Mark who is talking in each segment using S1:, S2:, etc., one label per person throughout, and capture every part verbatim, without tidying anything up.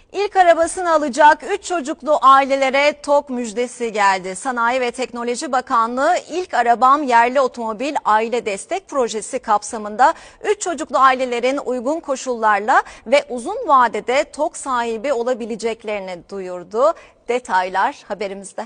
S1: İlk arabasını alacak üç çocuklu ailelere TOG müjdesi geldi. Sanayi ve Teknoloji Bakanlığı ilk arabam yerli otomobil aile destek projesi kapsamında üç çocuklu ailelerin uygun koşullarla ve uzun vadede TOG sahibi olabileceklerini duyurdu. Detaylar haberimizde.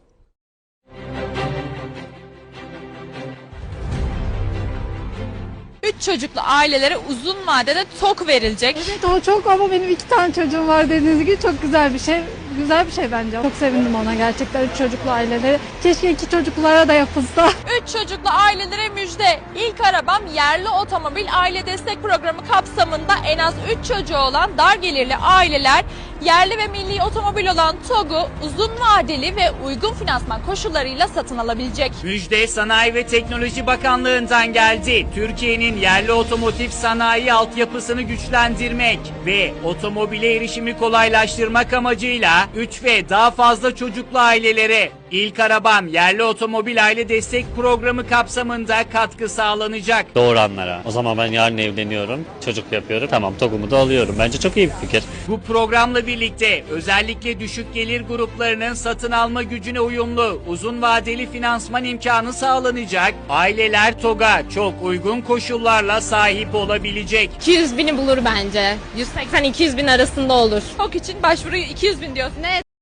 S2: Üç çocuklu ailelere uzun vadede TOG verilecek.
S3: Evet o çok ama benim iki tane çocuğum var dediğiniz gibi çok güzel bir şey. Güzel bir şey bence. Çok sevindim ona gerçekten üç çocuklu ailelere. Keşke iki çocuklulara da yapılsa.
S2: Üç çocuklu ailelere müjde. İlk arabam yerli otomobil aile destek programı kapsamında en az üç çocuğu olan dar gelirli aileler yerli ve milli otomobil olan TOG'u uzun vadeli ve uygun finansman koşullarıyla satın alabilecek.
S4: Müjde Sanayi ve Teknoloji Bakanlığı'ndan geldi. Türkiye'nin yerli otomotiv sanayi altyapısını güçlendirmek ve otomobile erişimi kolaylaştırmak amacıyla üç ve daha fazla çocuklu ailelere İlk arabam yerli otomobil aile destek programı kapsamında katkı sağlanacak.
S5: Doğuranlara. O zaman ben yarın evleniyorum, çocuk yapıyorum. Tamam, TOG'umu da alıyorum. Bence çok iyi bir fikir.
S4: Bu programla birlikte özellikle düşük gelir gruplarının satın alma gücüne uyumlu uzun vadeli finansman imkanı sağlanacak. Aileler TOG'a çok uygun koşullarla sahip olabilecek.
S6: iki yüz bini bulur bence. yüz seksen iki yüz bin arasında olur.
S2: TOG için başvuruyu iki yüz bin diyorsun.
S6: Ne?